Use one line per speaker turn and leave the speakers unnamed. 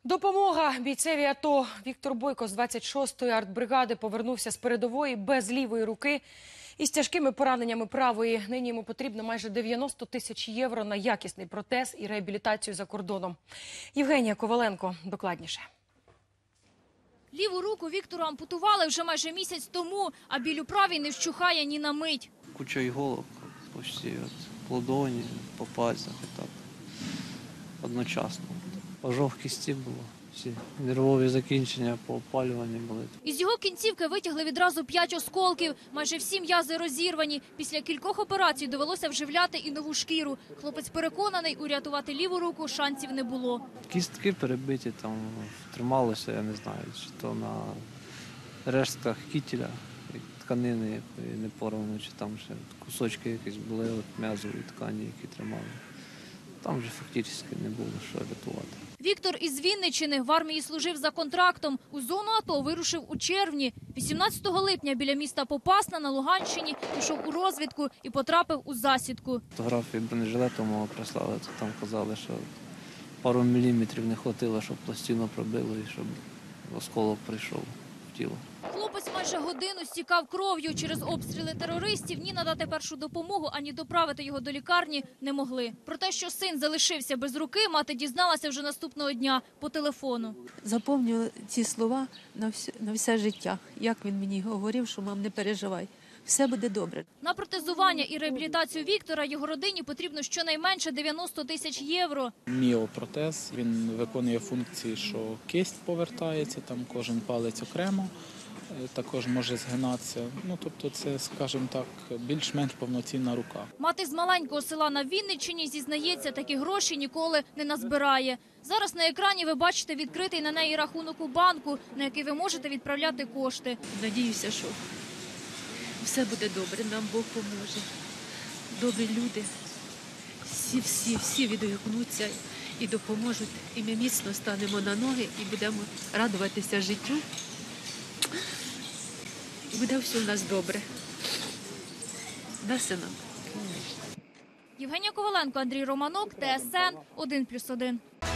Допомога бійцеві АТО. Віктор Бойко з 26-ї артбригади повернувся з передової без лівої руки і з тяжкими пораненнями правої. Нині йому потрібно майже 90 тисяч євро на якісний протез і реабілітацію за кордоном. Євгенія Коваленко докладніше.
Ліву руку Віктору ампутували вже майже місяць тому, а біль у правій не вщухає ні на мить.
Куча іголок, почти в ладоні, по пальцях і так. Одночасно. Ожог кісті було, всі нервові закінчення по опалюванню були.
Із його кінцівки витягли відразу 5 осколків. Майже всі м'язи розірвані. Після кількох операцій довелося вживляти і нову шкіру. Хлопець переконаний, урятувати ліву руку шансів не було.
Кістки перебиті, там трималося, я не знаю, чи то на рештках кітеля, тканини якої не порвано, чи там ще кусочки якісь були от м'язової ткані, які тримали. Там вже фактично не було що рятувати.
Віктор із Вінниччини в армії служив за контрактом. У зону АТО вирушив у червні. 18 липня біля міста Попасна на Луганщині пішов у розвідку і потрапив у засідку.
Фотографії бронежилету мого прислали, то там казали, що пару міліметрів не хватило, щоб пластину пробило і щоб осколок прийшов в тіло.
Хлопець майже годину стікав кров'ю. Через обстріли терористів ні надати першу допомогу, ані доправити його до лікарні не могли. Про те, що син залишився без руки, мати дізналася вже наступного дня по телефону.
Запомню ці слова на все життя. Як він мені говорив, що мам, не переживай, все буде добре.
На протезування і реабілітацію Віктора його родині потрібно щонайменше 90 тисяч євро.
Міопротез, він виконує функції, що кисть повертається, там кожен палець окремо, також може згинатися. Тобто це, скажімо так, більш-менш повноцінна рука.
Мати з маленького села на Вінниччині зізнається, такі гроші ніколи не назбирає. Зараз на екрані ви бачите відкритий на неї рахунок у банку, на який ви можете відправляти кошти.
Надіюся, що все буде добре, нам Бог поможе. Добрі люди, всі відгукнуться і допоможуть. І ми міцно станемо на ноги і будемо радуватися життю. І буде все в нас добре. Да, синок?
Євгенія Коваленко, Андрій Романок, ТСН 1+1.